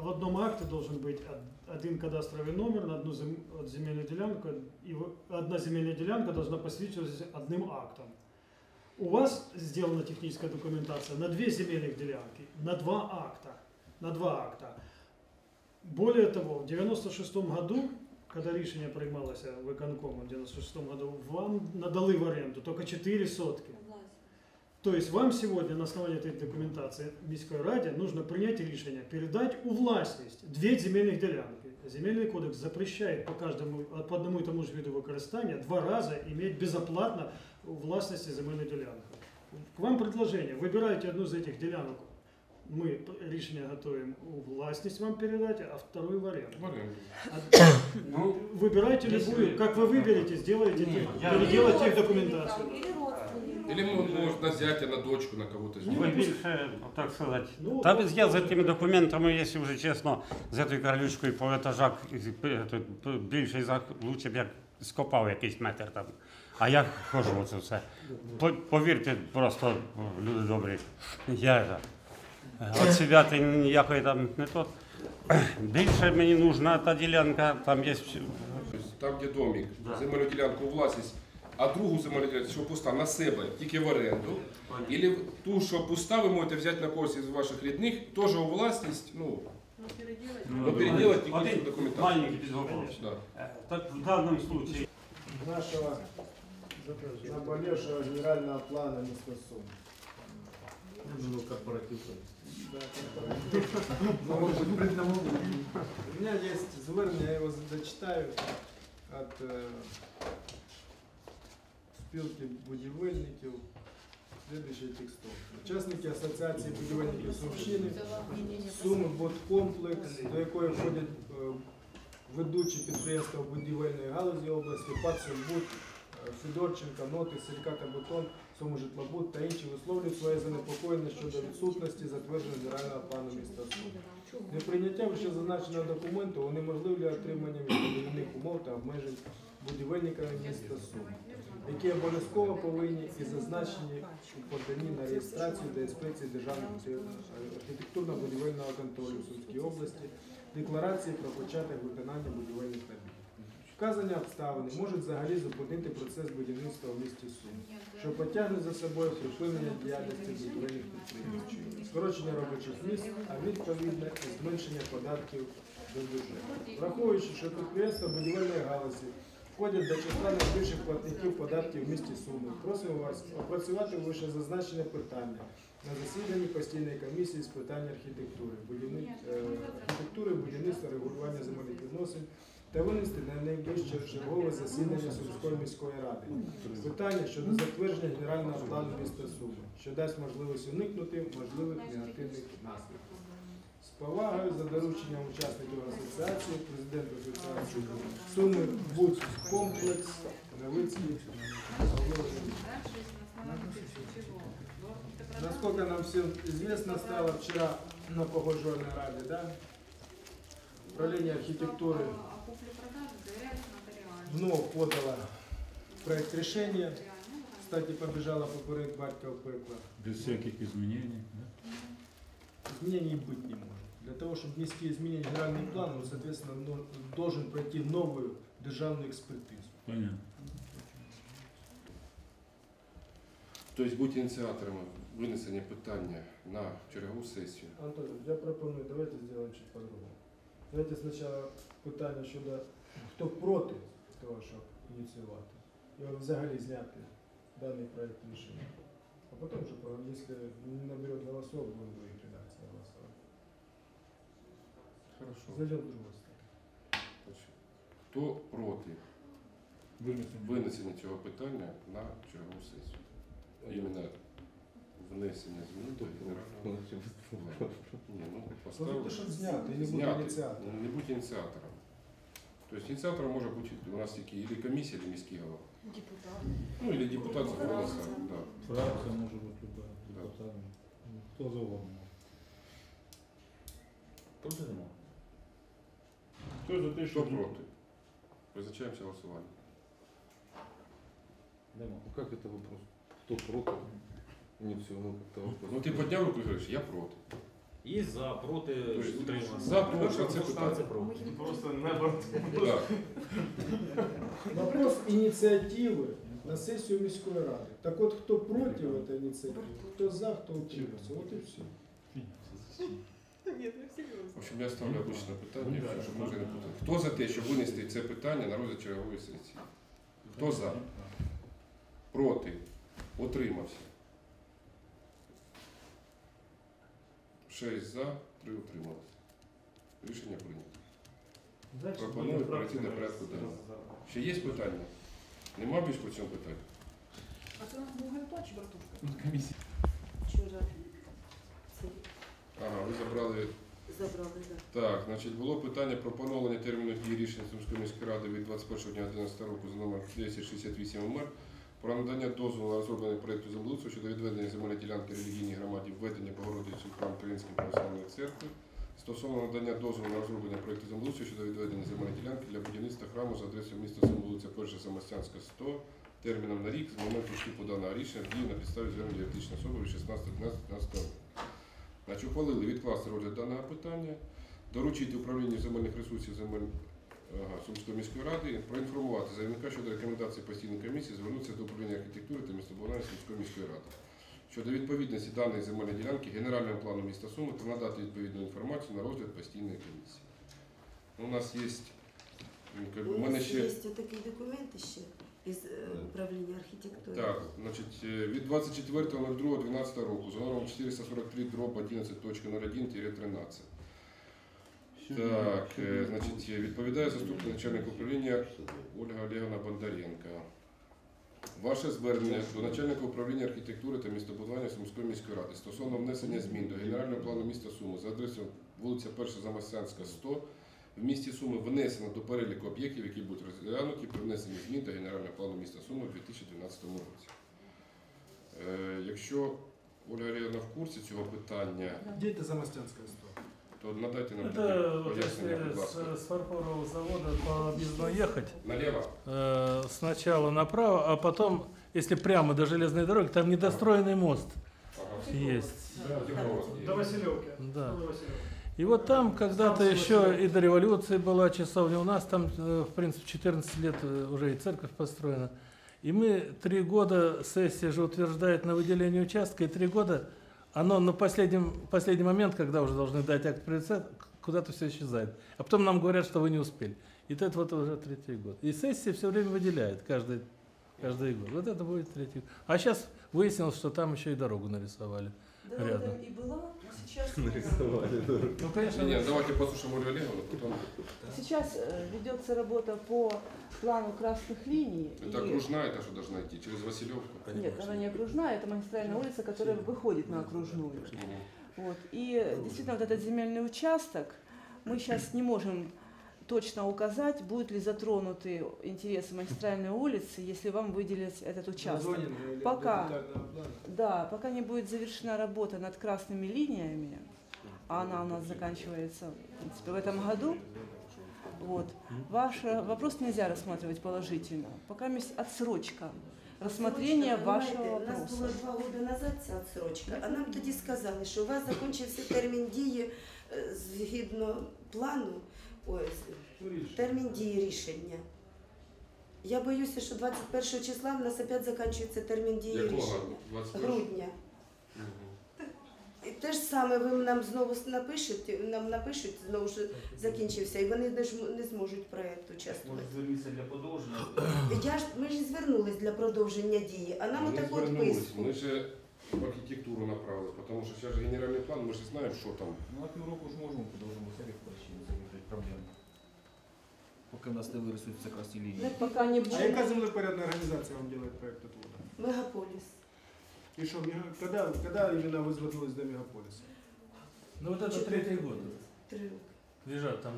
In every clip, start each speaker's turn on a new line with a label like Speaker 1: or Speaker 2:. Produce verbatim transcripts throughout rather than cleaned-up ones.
Speaker 1: в одном акте должен быть один кадастровый номер на одну земельную делянку, и одна земельная делянка должна посвящаться одним актом. У вас сделана техническая документация на две земельных делянки, на два акта. На два акта. Более того, в девяносто шестом году, когда решение приймалося виконкомом в девяносто шестом году, вам надали в аренду только четыре сотки. То есть вам сегодня на основании этой документации міської раді нужно принять решение передать у власність две земельных делянки. Земельный кодекс запрещает по каждому, по одному и тому же виду використання два раза иметь безоплатно у власности земельную делянку. К вам предложение. Выбирайте одну из этих делянок. Мы решение готовим у властность вам передать, а вторую в аренду. Ну, выбирайте любую, как вы выберете, сделайте, переделайте их документацию.
Speaker 2: Или можно взять на дочку, на кого-то.
Speaker 3: Ви більше, так сказати, ну, та без я за тими документами, якщо вже чесно, з цією карлючкою по етажах більше, лучше б я скопав якийсь метр там. А я хожу оце все. Повірте, просто, люди добрі, я від себе ніякої там не то. Більше мені нужна та ділянка, там є...
Speaker 2: Там, де домик, земельну ділянку у власність, а другу земельну ділянку, що пуста, на себе, тільки в оренду. Або ту, що пуста, ви можете взяти на когось із ваших рідних, теж у власність, ну, ну переделать тільки цю документацію.
Speaker 3: Маленький підготовка.
Speaker 2: Да.
Speaker 3: Так в даному случае.
Speaker 4: Нашего наболевшего генерального плана места Сум.
Speaker 5: Ну, корпоратив.
Speaker 4: Да, корпоратив. У меня есть звернення, я его зачитаю от э, спілки будівельників. Следующий текстов. Учасники Асоціації будівельників Сумщини, Суми Будкомплекс, до якої входять е, ведучі підприємства будівельної галузі області, Пацельбуд, Федорченка, Ноти, Силіката Бетон, Сумжитлобуд та інші висловлюють своє занепокоєння щодо відсутності затвердженого генерального плану міста Суми. Неприйняття вище зазначеного документу унеможливлює отримання містобудівних умов та обмежень будівельниками міста Суми, які обов'язково повинні і зазначені у поданні на реєстрацію до інспекції Державного архітектурно-будівельного контролю в Сумській області, декларації про початок виконання будівельних робіт. Вказані обставини можуть взагалі зупинити процес будівництва в місті Сум, що потягне за собою припинення діяльності будівельних підприємств, скорочення робочих місць, а відповідно і зменшення податків до бюджету. Враховуючи, що підприємства будівельної галузі входять до числа найбільших платників податків в місті Суми, просимо вас опрацювати вище зазначене питання на засіданні постійної комісії з питань архітектури, будівни... архітектури, будівництва, регулювання земельних відносин та винести на найближче чергове засідання Сумської міської ради питання щодо затвердження генерального плану міста Суми, що дасть можливість уникнути можливих негативних наслідків. З повагою за дорученням учасників асоціації, президент асоціації Суми Будкомплекс, Новицький. Насколько нам всем известно, стало вчера на погодженной раде, да? Управление архитектуры вновь подало проект решения. Кстати, побежала поперед батька в пекло.
Speaker 5: Без всяких изменений, да?
Speaker 4: Изменений быть не может. Для того, чтобы внести изменения в генеральный план, он, соответственно, должен пройти новую державную экспертизу.
Speaker 5: Понятно.
Speaker 2: Тобто бути ініціаторами винесення питання на чергову сесію.
Speaker 4: Антон, я пропоную, давайте сделаем чуть по-другому. Давайте сначала питання щодо, хто проти того, щоб ініціювати. Його взагалі зняти даний проект рішення. А потім вже, якщо не наберет голосов, будемо в других редакціях голосувати.
Speaker 2: Хорошо.
Speaker 4: Зайдем в другу сторону.
Speaker 2: Хто проти винесення цього питання на чергову сесію? Іменно внесення змін до генерального плану. Ні, ну, поставили.
Speaker 4: Щоб зняти, і не бути ініціатором.
Speaker 2: Не бути ініціатором. Тобто ініціатором може бути у нас тільки или комісія, или міський голова.
Speaker 6: Депутат.
Speaker 2: Ну, или депутат за голоса. Да.
Speaker 5: Фракция может быть любая, депутат, кто завгодно.
Speaker 2: Проти нема.
Speaker 5: Кто за те,
Speaker 2: Хто проти? Визначаємося голосуванням.
Speaker 5: Нема. Ну как это вопрос? Кто против? Не все, ну как-то вопрос.
Speaker 2: Ну ти підняв руку і говориш, я проти.
Speaker 5: Є за, проти,
Speaker 2: Тобто,
Speaker 5: утримався.
Speaker 2: за, проти,
Speaker 5: Перша
Speaker 2: це
Speaker 5: пропускна,
Speaker 2: питання.
Speaker 5: це проти. Просто не борти.
Speaker 2: Так.
Speaker 4: Вопрос ініціативи на сесію міської ради. Так от, хто проти цієї ініціативи, хто за, хто утримався. От і все.
Speaker 2: В общем, я ставлю обичне питання, щоб може не путати. Хто за те, щоб винести це питання на розгляд чергової сесії? Хто за? Проти? Утримався? Шість за, три утрималися. Рішення прийнято.
Speaker 1: Дальше
Speaker 2: Пропоную
Speaker 1: будем
Speaker 2: перейти до порядку денного. Ще є питання? Нема більш по цьому питання?
Speaker 6: А це у нас був Гальпа чи Братушка?
Speaker 5: Комісія.
Speaker 7: Вчора це
Speaker 2: Ага, ви забрали.
Speaker 7: забрали, так.
Speaker 2: Так, значить, було питання про поновлення терміну дії рішення Сумської міської ради від двадцять першого дня одинадцятого року за номер десять шістдесят вісім ем ер про надання дозволу на розроблення проєкту землеустрою щодо відведення земельної ділянки релігійній громаді введення Богородиці в храм Української православної церкви стосовно надання дозволу на розроблення проєкту землеустрою щодо відведення земельної ділянки для будівництва храму за адресою міста Сум, вулиця Перша Самостянська, сто, терміном на рік з моменту вступу даного рішення в дію на підставі звернення юридичної особи від шістнадцятого одинадцятого п'ятнадцятого року. Значить, ухвалили відкласти розгляд даного питання, доручити управлінню земельних ресурсів земель ага, Сумської міської ради, проінформувати заявника щодо рекомендацій постійної комісії, звернутися до управління архітектури та містобудування Сумської міської ради щодо відповідності даної земельної ділянки генеральному плану міста Суми та надати відповідну інформацію на розгляд постійної комісії. У нас є, у
Speaker 7: У
Speaker 2: мене
Speaker 7: нас
Speaker 2: ще
Speaker 7: є такий документ ще із е, управління архітектури.
Speaker 2: так, значить, е, від двадцять четвертого ноль другого дванадцятого року за номером чотириста сорок три дроб одинадцять точка нуль один тринадцять. Так, е, значить, відповідає заступник начальника управління Ольга Олегівна Бондаренко. Ваше звернення до начальника управління архітектури та містобудування Сумської міської ради стосовно внесення змін до генерального плану міста Суми за адресою вулиця Перша Замостянська, сто в місті Суми внесено до переліку об'єктів, які будуть розглянуті при внесенні змін до генерального плану міста Суми у дві тисячі дванадцятому році. Е, якщо Ольга Олегівна в курсі цього питання,
Speaker 4: Де це Замостянська сто?
Speaker 2: то надайте нам
Speaker 8: Это вот
Speaker 2: пояснення, будь
Speaker 8: если
Speaker 2: ласка.
Speaker 8: с, с фарфорового завода по объездной ехать,
Speaker 2: Налево?
Speaker 8: э, сначала направо, а потом, если прямо до железной дороги, там недостроенный мост
Speaker 2: Ага.
Speaker 8: есть.
Speaker 1: До Василевки.
Speaker 8: Да.
Speaker 1: До Василевки.
Speaker 8: И вот там когда-то
Speaker 1: Там
Speaker 8: еще
Speaker 1: Василевки.
Speaker 8: и до революции была часовня, у нас там, э, в принципе, четырнадцать лет э, уже и церковь построена. И мы три года, сессия же утверждает на выделение участка, и три года оно на последнем, последний момент, когда уже должны дать акт приоритета, куда-то все исчезает. А потом нам говорят, что вы не успели. И это вот уже третий год. И сессия все время выделяет каждый, каждый год. Вот это будет третий год. А сейчас выяснилось, что там еще и дорогу нарисовали.
Speaker 7: Дорога
Speaker 8: Рядом.
Speaker 7: і була, а сейчас
Speaker 8: Ну, конечно,
Speaker 2: Ні, давайте послушаем Ольгу Олеговну, потом.
Speaker 9: Сейчас э, ведется работа по плану красных линий.
Speaker 2: Это
Speaker 9: и-
Speaker 2: окружная, это что должна идти? Через Василевку?
Speaker 9: Нет, она не окружная, это магистральная улица, которая выходит на окружную. Вот. И действительно, вот этот земельный участок, мы сейчас не можем точно указать, будут ли затронуты интересы магистральной улицы, если вам выделить этот участок. Пока. Да, пока не будет завершена работа над красными линиями, а она у нас заканчивается в, принципе, в этом году, вот, ваш вопрос нельзя рассматривать положительно. Пока есть отсрочка рассмотрения вашого
Speaker 7: У нас було
Speaker 9: вопроса.
Speaker 7: два роки назад ця відсрочка, а нам тоді сказали, що у вас закінчився термін дії е, згідно плану, ой, з- термін дії рішення. Я боюся, що двадцять першого числа в нас опять закінчується термін дії
Speaker 2: Якого?
Speaker 7: рішення.
Speaker 2: двадцять першого?
Speaker 7: Грудня. І те ж саме ви нам знову напишете, нам напишуть, знову що закінчився, і вони не, ж, не зможуть проєкт участвувати.
Speaker 5: звернутися для подовження.
Speaker 7: Я ж, ми ж і звернулись для продовження дії, а нам
Speaker 2: Ми
Speaker 7: отаку
Speaker 2: звернулись,
Speaker 7: відписку.
Speaker 2: ми ж в архітектуру направили, тому що зараз же генеральний план, ми ж знаємо, що там.
Speaker 5: Ну, на півроку ж можемо подовжимо серію причини, закрити проблему. Поки в нас не вирисуються красні лінії.
Speaker 9: Пока не
Speaker 4: А
Speaker 9: будет.
Speaker 4: яка землепорядна організація вам робить проєкт отвода?
Speaker 7: Мегаполіс.
Speaker 4: І що, мега- коли, коли іменно ви звернулись до мегаполісу?
Speaker 8: Ну вот это третий год.
Speaker 7: Три роки.
Speaker 8: Лежат там.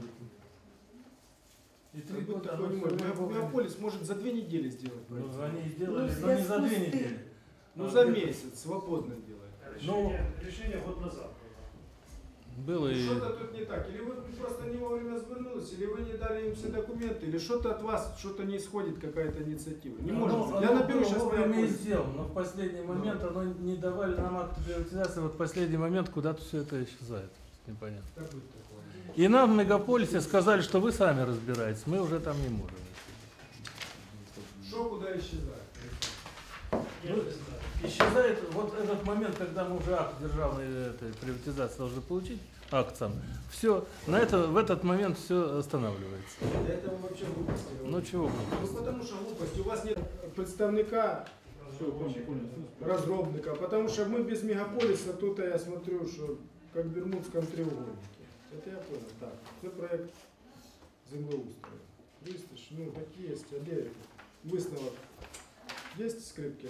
Speaker 8: И три
Speaker 4: Как будто
Speaker 8: года.
Speaker 4: такое
Speaker 8: оно
Speaker 4: не может.
Speaker 8: всё время-
Speaker 4: Мегаполис может за две недели сделать
Speaker 8: Ну,
Speaker 4: проект.
Speaker 8: они сделали,
Speaker 7: Ну,
Speaker 8: но не за
Speaker 7: связку
Speaker 8: две
Speaker 7: с тем.
Speaker 8: недели.
Speaker 4: Ну
Speaker 8: А
Speaker 4: за
Speaker 8: где-то-
Speaker 4: месяц, свободно делает.
Speaker 1: Решение, решение год назад было.
Speaker 8: было и...
Speaker 4: Что-то тут не так. Или вы просто не вовремя свернулись, или вы не дали им все документы, или что-то от вас, что-то не исходит, какая-то инициатива. Не может быть. Я наберу сейчас
Speaker 8: вовремя и сделал, но в последний момент оно не давали нам акт приватизации, вот в последний момент куда-то все это исчезает. Непонятно.
Speaker 4: Так будет такое.
Speaker 8: И нам в мегаполисе сказали, что вы сами разбираетесь, мы уже там не можем.
Speaker 4: Что куда исчезает?
Speaker 8: Ну, исчезает вот этот момент, когда мы уже акт державной этой приватизации должны получить, акт сам. Все, на это, в этот момент все останавливается.
Speaker 4: Для этого вообще глупости.
Speaker 8: Ну чего?
Speaker 4: Ну потому что глупость. У вас нет представника, разробника, потому что мы без мегаполиса, тут я смотрю, что как в Бермудском треугольнике. Это я понял. Так, это проект землеустрою. Листиш, ну такі є, а де висновок? Є Скрипкіна?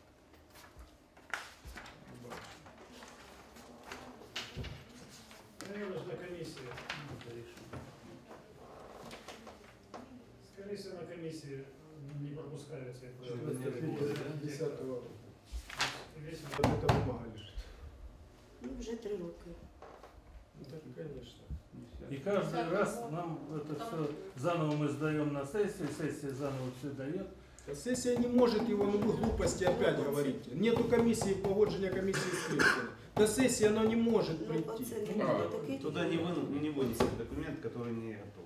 Speaker 1: Наверное, на комиссии. Скорее всего, на комиссии не пропускаются.
Speaker 4: десятого. Вот эта бумага лежит.
Speaker 7: Ну, вже три роки.
Speaker 4: Ну так, конечно.
Speaker 8: И каждый раз нам это все заново мы сдаем на сессию, сессия заново все дает.
Speaker 4: Сессия не может его, ну вы глупости опять говорите. Нету комиссии, погоджения комиссии Скрипкина. До сессии оно не может
Speaker 7: Ну,
Speaker 4: прийти.
Speaker 7: оце не
Speaker 2: А,
Speaker 7: було такий.
Speaker 10: Туда не, вы, не вынесен документ, который не готов.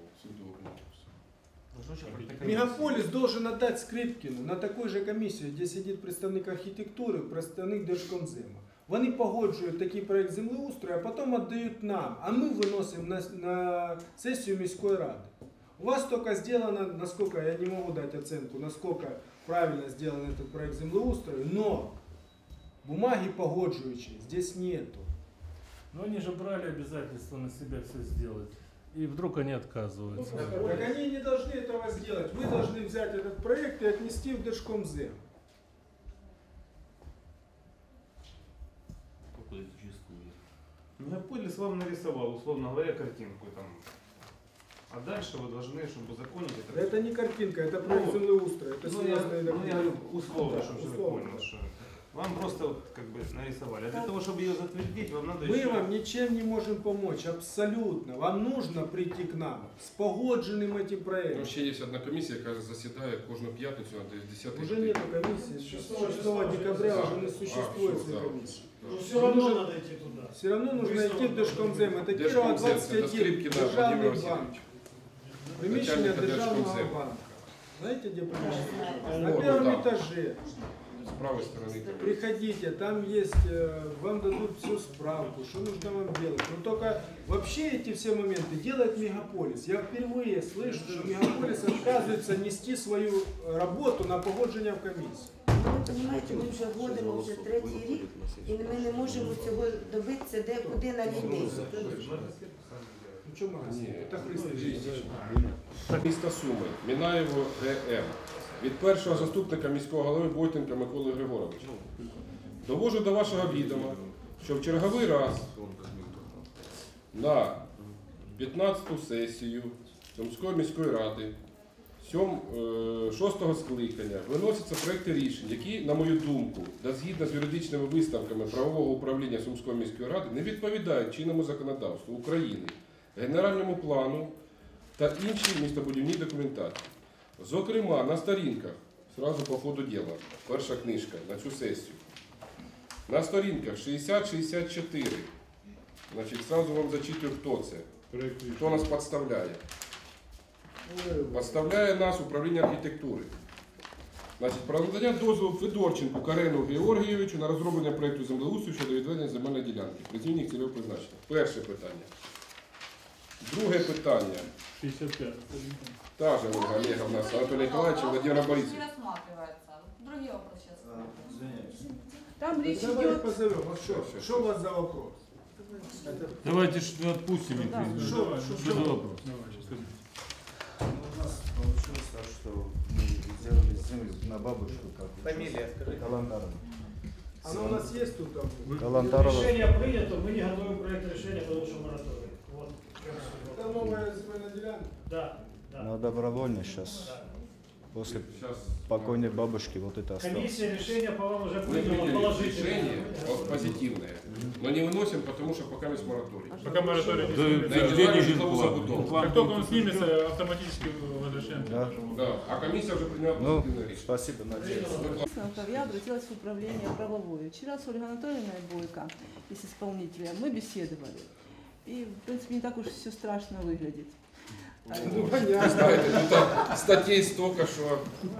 Speaker 4: Мегаполис должен отдать Скрипкину на такой же комиссию, где сидит представник архітектури, представник Держкомзема. Вони погоджують такий проект землеустрою, а потім віддають нам, а ми виносимо на, на сесію міської ради. У вас только сделано, насколько, я не могу дать оценку, насколько правильно сделан этот проект землеустрою, но бумаги погоджующие здесь нету.
Speaker 8: Но они же брали обязательство на себя все сделать. И вдруг они отказываются.
Speaker 4: Так они не должны этого сделать. Вы должны взять этот проект и отнести в Держкомзем.
Speaker 10: Мегаполис вам нарисовал, условно говоря, картинку там. А дальше вы должны, чтобы узаконить это.
Speaker 4: Это не картинка, это проект землеустрою. Это
Speaker 10: Ну, я,
Speaker 4: серьезные
Speaker 10: ну, я
Speaker 4: документы.
Speaker 10: говорю условно,
Speaker 4: Да,
Speaker 10: чтобы вы
Speaker 4: условно.
Speaker 10: понял, что вам просто как бы нарисовали. А для того, чтобы ее затвердить, вам надо
Speaker 4: Мы
Speaker 10: еще...
Speaker 4: вам ничем не можем помочь, абсолютно. Вам нужно прийти к нам с погодженным этим
Speaker 2: Там
Speaker 4: проектом.
Speaker 2: ще є одна комісія, яка засідає кожну п'ятницю на десятий
Speaker 4: Уже нету комиссии, с шестого декабря уже не существует
Speaker 2: всё,
Speaker 4: этой
Speaker 2: да.
Speaker 4: комиссии.
Speaker 1: Ну, все равно надо идти туда.
Speaker 4: Все равно нужно идти в Держкомзем. Это Кирова
Speaker 2: Держкомзем, це
Speaker 4: двадцать
Speaker 2: до
Speaker 4: один,
Speaker 2: Скрипкіна Владимир
Speaker 4: державный банк.
Speaker 2: Васильович.
Speaker 4: Приміщення
Speaker 2: Начальника
Speaker 4: державного
Speaker 2: Держкомзему.
Speaker 4: банка. Знаете, где приміщення?
Speaker 2: О,
Speaker 4: На
Speaker 2: ну
Speaker 4: первом
Speaker 2: да.
Speaker 4: этаже.
Speaker 2: З правої сторони.
Speaker 4: Приходите, там есть, э, вам дадут всю справку, что нужно вам делать. Но только вообще эти все моменты делает Мегаполис. Я впервые слышу, что Мегаполис отказывается нести свою работу на погодження в комісію.
Speaker 7: Ви розумієте, ми вже вводимо вже третій рік, і ми не можемо цього добитися, де куди на людей.
Speaker 4: Ну что магазин?
Speaker 2: Ні,
Speaker 4: Это пристрій.
Speaker 2: Місто Суми, Мінаєво ГМ. Від першого заступника міського голови Войтенка Миколи Григоровича. Довожу до вашого відома, що в черговий раз на п'ятнадцяту сесію Сумської міської ради шостого скликання виносяться проекти рішень, які, на мою думку, та згідно з юридичними висновками правового управління Сумської міської ради, не відповідають чинному законодавству України, генеральному плану та іншій містобудівній документації. Зокрема, на сторінках, зразу по ходу діла, перша книжка на цю сесію, на сторінках шістдесят шістдесят чотири, значить, зразу вам зачитую, хто це, хто нас підставляє. Підставляє нас управління архітектури. Значить, про надання дозволу Федорченку Карену Георгійовичу на розроблення проєкту землеустрою щодо відведення земельної ділянки, при зміні цільового призначення. Перше питання. Друге питання.
Speaker 8: шестьдесят пять.
Speaker 2: Та же Ольга Олеговна, с Анатолием Николаевичем, Владимиром Борисовичем.
Speaker 6: Не рассматривается. Другие вопросы сейчас.
Speaker 9: Там речь
Speaker 4: Давайте
Speaker 9: идет...
Speaker 4: позовем. Вот что, что у вас за вопрос?
Speaker 8: Давайте что отпустим их.
Speaker 9: Да.
Speaker 8: Что,
Speaker 4: Что,
Speaker 8: что,
Speaker 4: что,
Speaker 8: за вопрос?
Speaker 5: У нас получилось так, что мы сделали землю на бабушку, как
Speaker 10: Фамилия, скажите.
Speaker 5: Каландаровна.
Speaker 4: Оно у нас есть тут там?
Speaker 5: Каландарова.
Speaker 1: Решение принято, мы не готовим проект решения, потому что мораторий. Вот.
Speaker 4: Это новая земельная делянка.
Speaker 1: Да, да.
Speaker 5: На добровольно сейчас.
Speaker 1: Да.
Speaker 5: после
Speaker 2: Сейчас
Speaker 5: покойной бабушки вот это осталось.
Speaker 1: Комиссия решение по вам уже
Speaker 2: мы
Speaker 1: приняла
Speaker 2: приняли
Speaker 1: положительное.
Speaker 2: решение вот, позитивное, но не выносим, потому что пока есть мораторий.
Speaker 11: Пока мораторий не
Speaker 3: Да,
Speaker 11: снимется.
Speaker 2: На индивидуальную житловую забудову.
Speaker 11: Как только он снимется, автоматически возвращаем.
Speaker 5: Да.
Speaker 2: Да, а комиссия уже приняла
Speaker 5: Ну,
Speaker 2: позитивное решение.
Speaker 5: спасибо, надеюсь.
Speaker 9: Я обратилась в управление правовое. Вчера с Ольгой Анатольевной Бойко и с исполнителем мы беседовали. И, в принципе, не так уж все страшно выглядит.
Speaker 2: Ну, знаете, ну там статей столько, что...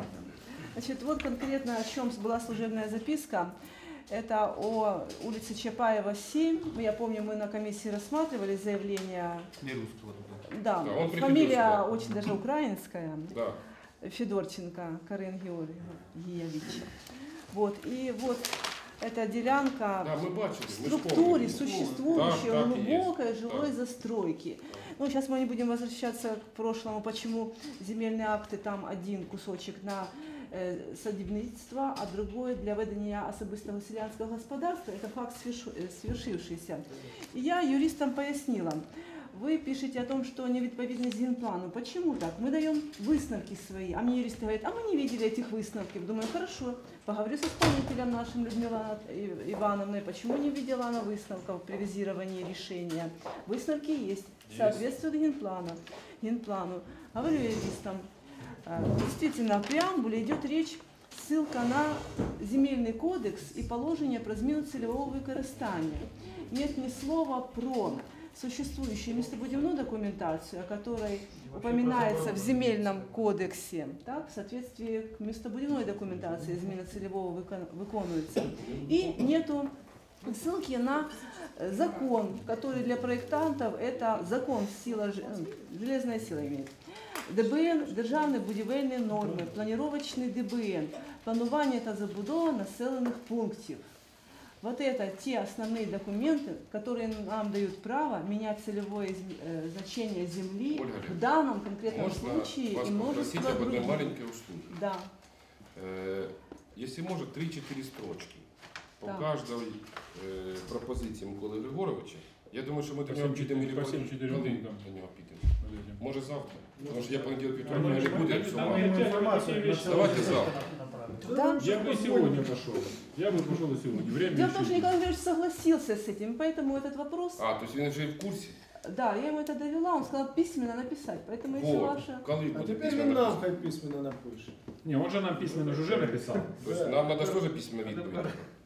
Speaker 9: Значит, вот конкретно о чем была служебная записка. Это о улице Чапаева, семь. Я помню, мы на комиссии рассматривали заявление.
Speaker 5: Не русского.
Speaker 9: Да,
Speaker 2: Да, он
Speaker 9: фамилия
Speaker 2: прикрепился, да.
Speaker 9: очень даже украинская.
Speaker 2: Да.
Speaker 9: Федорченко Карен Георгиевич. Вот, и вот эта делянка
Speaker 2: Да, мы бачили,
Speaker 9: в
Speaker 2: мы ж
Speaker 9: структуре
Speaker 2: помним.
Speaker 9: существующей
Speaker 2: Так, так и
Speaker 9: глубокой
Speaker 2: есть.
Speaker 9: жилой
Speaker 2: Так.
Speaker 9: застройки. Ну, сейчас мы не будем возвращаться к прошлому, почему земельные акты там один кусочек на э, садівництво, а другой для ведення особистого селянського господарства. Это факт свершу- э, свершившийся. И я юристам пояснила. Вы пишете о том, что невідповідність генплану. Почему так? Мы даем высновки свои. А мне юристы говорят, а мы не видели этих высновков. Думаю, хорошо, поговорю с исполнителем нашим Людмилой Ивановной, почему не видела она высновков при визировании решения. Высновки есть, соответствуют генплану. генплану. Говорю юристам, действительно, в преамбуле идет речь, ссылка на земельный кодекс и положение про зміну цільового використання. Нет ни слова про существующую местобудивную документацию, о которой упоминается в земельном кодексе, так, в соответствии к местобудивной документации змена целевого выконывается. И нету ссылки на закон, который для проектантов это закон сила, железная сила имеет. ДБН, державні будівельні норми, планировочний ДБН, планування та забудова населених пунктів. Вот это те основные документы, которые нам дают право менять целевое э, значение земли
Speaker 2: Ольга,
Speaker 9: в данном конкретном
Speaker 2: можно
Speaker 9: случае
Speaker 2: вас
Speaker 9: и множество
Speaker 2: попросить об одной
Speaker 9: других.
Speaker 2: маленькой услуге?
Speaker 9: Да.
Speaker 2: Э, если может, три-четыре строчки по
Speaker 9: Так.
Speaker 2: каждой э, пропозиции Миколы Григоровича. Я думаю, что мы до
Speaker 11: По
Speaker 2: него
Speaker 11: семь
Speaker 2: підемо
Speaker 11: четыре-
Speaker 2: или
Speaker 11: по семь четыре
Speaker 2: коли
Speaker 11: пункта.
Speaker 2: до нього підемо. Може завтра? Потому что я понедельник
Speaker 11: Ну,
Speaker 2: вівторок мене не буде, як
Speaker 11: там
Speaker 2: сама.
Speaker 11: є-
Speaker 1: Информацию
Speaker 2: Давайте завтра.
Speaker 9: Да.
Speaker 11: Я бы и сегодня пошел. Я бы пошел и сегодня. Время
Speaker 9: Дело в том,
Speaker 11: еще
Speaker 9: что Николай Андреевич согласился с этим, поэтому этот вопрос,
Speaker 2: А, то есть він вже і в курсі?
Speaker 9: да, я ему это довела, он сказал письменно написать, поэтому если
Speaker 2: Вот.
Speaker 9: ваша...
Speaker 2: Коли
Speaker 4: А
Speaker 2: буде
Speaker 4: тепер
Speaker 2: письменно
Speaker 4: він нам
Speaker 2: написано?
Speaker 4: хай письменно напише.
Speaker 11: Не, он же нам письменно уже написал.
Speaker 2: То есть нам надо тоже письменно відповідь?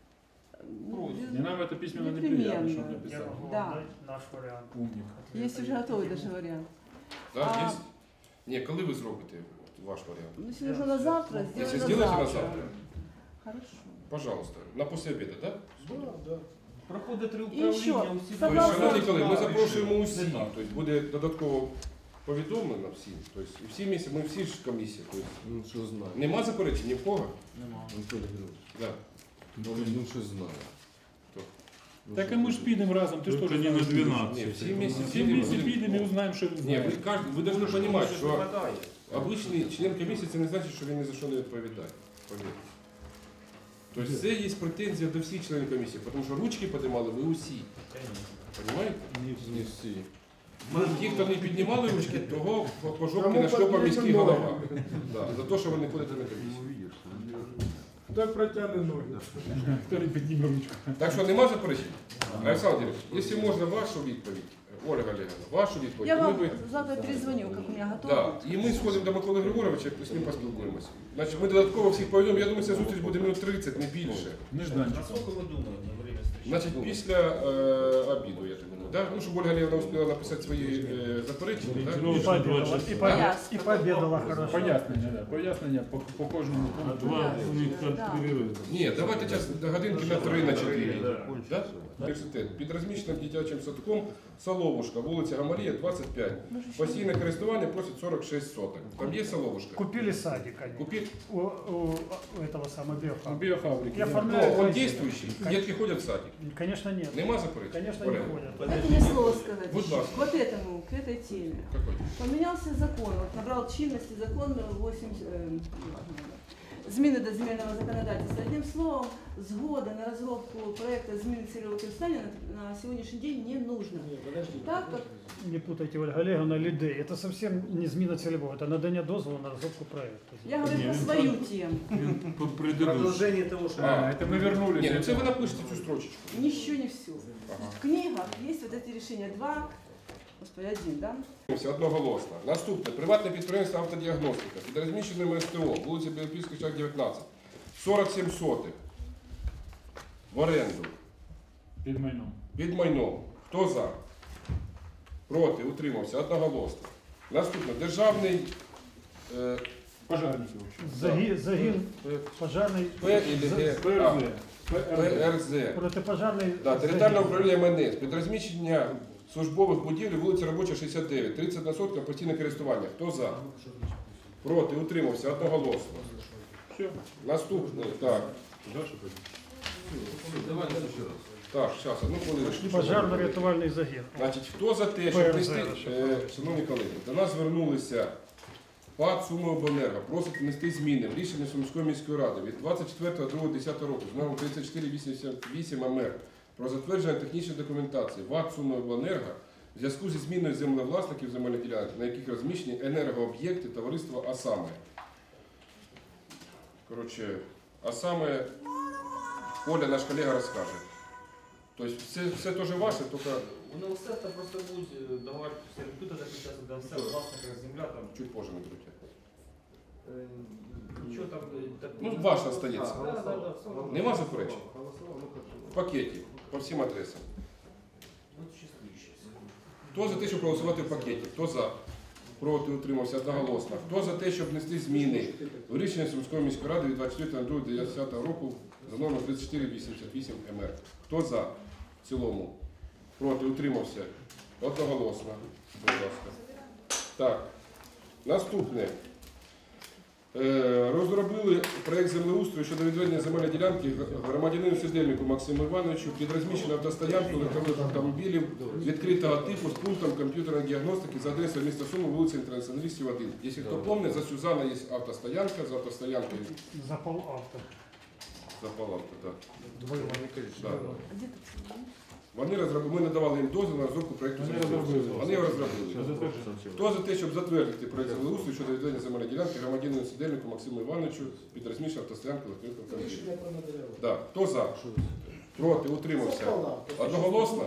Speaker 11: Не нам это письменно не приятно, что он
Speaker 9: Непременно.
Speaker 11: написал.
Speaker 9: Да.
Speaker 1: Наш вариант.
Speaker 11: Умник.
Speaker 9: Есть уже готовый даже вариант.
Speaker 2: Да,
Speaker 9: А-
Speaker 2: есть? Ні, коли ви зробите от ваш варіант?
Speaker 9: Ну, если нужно на завтра,
Speaker 2: Если
Speaker 9: сделаем
Speaker 2: сделаете
Speaker 9: на
Speaker 2: на
Speaker 9: завтра.
Speaker 2: завтра,
Speaker 9: Хорошо.
Speaker 2: пожалуйста, на после обеда, да?
Speaker 4: Да, да.
Speaker 5: Проходить три
Speaker 9: І що?
Speaker 5: управління усі.
Speaker 2: Тобто,
Speaker 9: Согласно-
Speaker 2: шановні колеги, ми запрошуємо
Speaker 5: Не
Speaker 2: усіх,
Speaker 5: так.
Speaker 2: тобто буде додатково повідомлено всім. Тобто, і всі місяці, ми всі ж комісії. Тобто,
Speaker 12: Ну що знає.
Speaker 2: нема заперечень ні в кого?
Speaker 12: Анатолій Григорович.
Speaker 2: Да.
Speaker 12: Ну він що знає.
Speaker 2: Хто?
Speaker 12: Ну,
Speaker 11: Так
Speaker 12: що
Speaker 11: а мы
Speaker 12: ви-
Speaker 11: ж підемо разом, ты что,
Speaker 10: не на
Speaker 2: Ні,
Speaker 10: двенадцать.
Speaker 2: всі місяці.
Speaker 11: Все вместе підемо і узнаємо, що він
Speaker 2: Ні,
Speaker 11: знає.
Speaker 2: ви, кажете, ви повинні розуміти, що обичний член комісії це не значить, що він ні за що не відповідає. Повірте. Тобто це є претензія до всіх членів комісії, тому що ручки піднімали ви усі. Понимаєте?
Speaker 12: Не всі.
Speaker 2: Ті, хто не піднімали ручки, того по- по жопці
Speaker 4: Кому
Speaker 2: нашльопав
Speaker 4: потрібно
Speaker 2: міський
Speaker 4: ноги?
Speaker 2: голова. Да, за те, що ви не ходите на комісію.
Speaker 4: Так протягне ноги.
Speaker 11: Хто не підніме ручку.
Speaker 2: Так що нема заперечень? Олександр, Ігорович, якщо можна вашу відповідь, Ольга Олегівна, вашу відповідь,
Speaker 9: Я
Speaker 2: ми
Speaker 9: вам
Speaker 2: би...
Speaker 9: завтра перезвоню, как у меня готово.
Speaker 2: Да, і ми сходимо до Миколи Григоровича і з ним поспілкуємося. Значить, ми додатково всіх повідомимо, я думаю, ця зустріч буде минут тридцять, не більше.
Speaker 11: Нежданчик.
Speaker 5: Наскільки ви думаєте на время встречи?
Speaker 2: Значить, після е, обіду, я так думаю. Да? Ну, щоб Ольга Олегівна успіла написати свої е, заперечення. Да?
Speaker 1: И пообедала, и, по-
Speaker 9: Ясно.
Speaker 1: и пообедала хорошо.
Speaker 11: Пояснення, да. Пояснення по, по кожному пункту.
Speaker 10: Два у них
Speaker 9: Да.
Speaker 10: перерыв.
Speaker 2: Ні, давайте час до годинки на три, на чотири. Да? Університет. Під розміщеним дитячим садком Соловушка, вулиця Гамалія, двадцять п'ять. Постійне користування просить сорок шість соток. Там є Соловушка?
Speaker 1: Купили садик они.
Speaker 2: Купить?
Speaker 1: У, у, у этого самого биофаба.
Speaker 11: Біофабрики.
Speaker 1: Я
Speaker 11: да.
Speaker 1: оформляю.
Speaker 2: Ну, он действующий. Детки ходять в садик.
Speaker 1: Конечно нет.
Speaker 2: Нема заперечень?
Speaker 1: Конечно не
Speaker 2: Оля?
Speaker 1: ходят.
Speaker 9: Дайте мне слово сказать.
Speaker 2: Будь ласка.
Speaker 9: Вот этому, к этой теме.
Speaker 2: Какой?
Speaker 9: Поменялся закон, вот набрал чинности закон восемь, э, зміни до земельного законодательства. Одним словом, згода на розробку проекту зміни цільового використання на, на сьогоднішній день не нужно. Так, как...
Speaker 1: Не путайте, Ольга Олеговна, лиды. Это совсем не зміна цільового, это надання дозволу на розробку проекту.
Speaker 9: Я говорю про свою тему.
Speaker 5: Продолжение того, что...
Speaker 2: А,
Speaker 11: это мы вернулись.
Speaker 2: Ні, ну це ви напишете цю строчечку.
Speaker 9: Еще не все. В книгах есть вот эти решения два, господи, один, да?
Speaker 2: Одноголосно. Наступне. Приватне підприємство автодіагностика. Під розміщеним СТО, вулиця Білопільська, шлях дев'ятнадцять. сорок сім сотих. В оренду.
Speaker 11: Під майном.
Speaker 2: Під майном. Хто за? Проти? Утримався. Одноголосно. Наступне. Державний е,
Speaker 11: Пожарники.
Speaker 1: Загін, загін пожарний
Speaker 2: П і Г.
Speaker 11: ПРЗ.
Speaker 2: ПРЗ.
Speaker 1: протипожарний
Speaker 2: Да, територіальне управління ем ен ес. Під розміщення службових будівель, вулиця Робоча, шістдесят дев'ять. тридцять на сотка постійне користування. Хто за? Проти? Утримався. Одноголосно.
Speaker 11: Все.
Speaker 2: Наступне. Так.
Speaker 11: Дальше пойдем.
Speaker 12: Давайте ще раз.
Speaker 2: Так, зараз, одну хвилиночку.
Speaker 1: пожарно-рятувальний загін.
Speaker 2: Значить, хто за те, щоб
Speaker 1: ПРЗ,
Speaker 2: внести,
Speaker 1: щоб
Speaker 2: е, шановні колеги, до нас звернулися ПАД «Сумиобленерго», просить внести зміни в рішення Сумської міської ради від двадцять четвертого другого десятого року з номером тридцять чотири вісімдесят вісім ем ер про затвердження технічної документації ВАТ «Сумиобленерго» в зв'язку зі зміною землевласників земельних ділянок, на яких розміщені енергооб'єкти товариства «А саме». Коротше, «А саме» Оля, наш колега, розкаже. Тобто все, все теж ваше, тільки
Speaker 5: Воно все це просто будуть давати сервітути на час, де все власника земля там.
Speaker 2: чуть позже не крутять.
Speaker 5: е, Нічого там так.
Speaker 2: Ну, ваше остається.
Speaker 5: А, да, да, да, все.
Speaker 2: Нема заперечень?
Speaker 5: Голосував, ну, хорошо.
Speaker 2: В пакеті, по всім адресам.
Speaker 5: Ну, щасливіше.
Speaker 2: Хто за те, щоб проголосувати в пакеті? Хто за? Проти, утримався одноголосно. Хто за те, щоб внести зміни в рішення Сумської міської ради від двадцять четвертого другого десятого року за номером тридцять чотири вісімдесят вісім ем ер? Хто за? В цілому. Проти, утримався. Одноголосно. Будь ласка. Так. Наступне. Е, Розробили проєкт землеустрою щодо відведення земельної ділянки громадянину Сидельнику Максиму Івановичу під розміщену автостоянку легкових автомобілів відкритого типу з пунктом комп'ютерної діагностики за адресою міста Суми, вулиця Інтернаціоналістів один. Якщо хто пам'ятає, за Сюзана є автостоянка, за автостоянкою
Speaker 1: Запал авто.
Speaker 2: Запал авто, так. Да.
Speaker 9: А где тут?
Speaker 2: Вони розробили, ми надавали їм дозвіл на розробку проєкту землеустрою. Вони його розробили. Хто за те, щоб затвердити проєкт землеустрою щодо відведення земельної ділянки громадянину Сидельнику Максиму Івановичу під розміщеною автостоянкою легкових автомобілів? Да. Хто за? Проти, утримався. Одноголосно?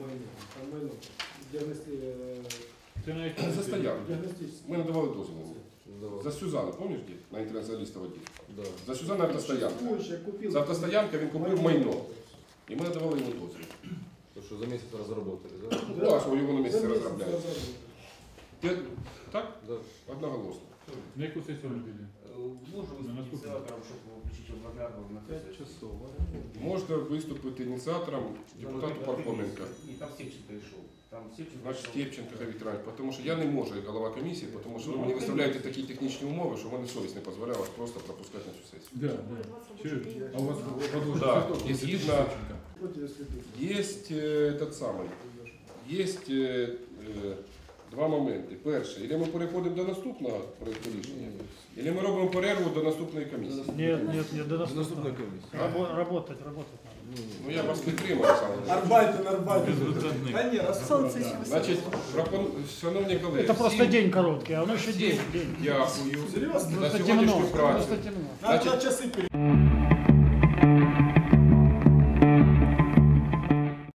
Speaker 2: За стоянку. Ми надавали дозвіл. За Сюзану, пам'ятаєш, де? На інтернаціоналіста воді? За Сюзану автостоянка. За автостоянка він купив майно. І ми надавали йому дозвіл.
Speaker 12: То, що за місяць розробили, так?
Speaker 2: Ну, а що його на місці розробляють. Ти- Так?
Speaker 12: Да.
Speaker 2: Одноголосно.
Speaker 11: На яку сесію робили?
Speaker 5: Можу виступити ініціатором, щоб включити обладнання на п'ять часов.
Speaker 2: Можна виступити ініціатором депутату Пархоменка.
Speaker 5: І там Сєвченко йшов. Там Сєвченко
Speaker 2: Значить,
Speaker 5: йшов.
Speaker 2: Степченко Віктор, тому що я не можу, як голова комісії, тому що ви мені виставляєте такі технічні умови, що в мене совість не дозволяє вас просто пропускати на цю сесію.
Speaker 11: Да, да. Чуєш? А у вас подложено?
Speaker 2: Да, і згідно, є этот самий, є е, е, два моменти. Перше, або ми переходимо до наступного проєкту рішення, або ми робимо перерву до наступної комісії.
Speaker 1: Нет, нет, нет, до нас
Speaker 12: Наступна комісія.
Speaker 1: Рабо- работать, работать надо.
Speaker 2: Ну я вас підтримую, саме.
Speaker 4: Арбайтен, Арбайтен. Та ні, раз.
Speaker 9: Солнце еще высоко.
Speaker 2: Значить, пропон... шановні колеги,
Speaker 1: Это просто
Speaker 2: всім
Speaker 1: день короткий, а оно еще день. день.
Speaker 4: Серйозно?
Speaker 2: дякую за
Speaker 1: Просто темно,
Speaker 2: сьогоднішню працю.
Speaker 1: просто темно.
Speaker 4: Надо
Speaker 2: Значить,
Speaker 4: часи перейти.